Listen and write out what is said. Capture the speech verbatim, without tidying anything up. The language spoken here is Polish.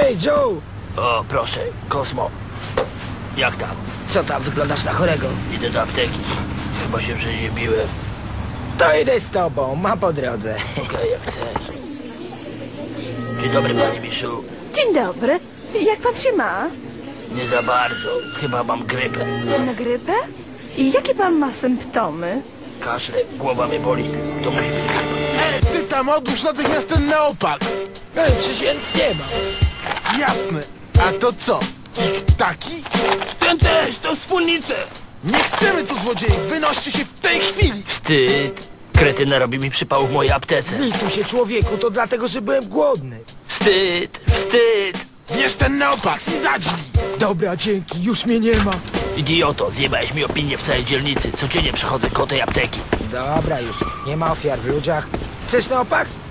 Hej, Joe! O, proszę, Kosmo. Jak tam? Co tam, wyglądasz na chorego? Idę do apteki. Chyba się przeziębiłem. To idę z tobą, ma po drodze. Okej, jak chcesz. Dzień dobry, panie Miszu. Dzień dobry. Jak pan się ma? Nie za bardzo. Chyba mam grypę. Na grypę? I jakie pan ma symptomy? Kaszle, głowa mnie boli. To musi być grypa. E, ty tam odłóż natychmiast ten Neopax! Ej, przecież ja nic nie mam. Jasne. A to co? Tik-taki? Ten też, to wspólnice! Nie chcemy tu złodziei! Wynoście się w tej chwili! Wstyd. Kretyna robi mi przypał w mojej aptece. Lituj się, człowieku, to dlatego, że byłem głodny. Wstyd, wstyd. Bierz ten Neopax i za drzwi! Dobra, dzięki, już mnie nie ma. Idioto, zjebałeś mi opinię w całej dzielnicy. Codziennie przychodzę koło tej apteki. Dobra już, nie ma ofiar w ludziach. Chcesz Neopax?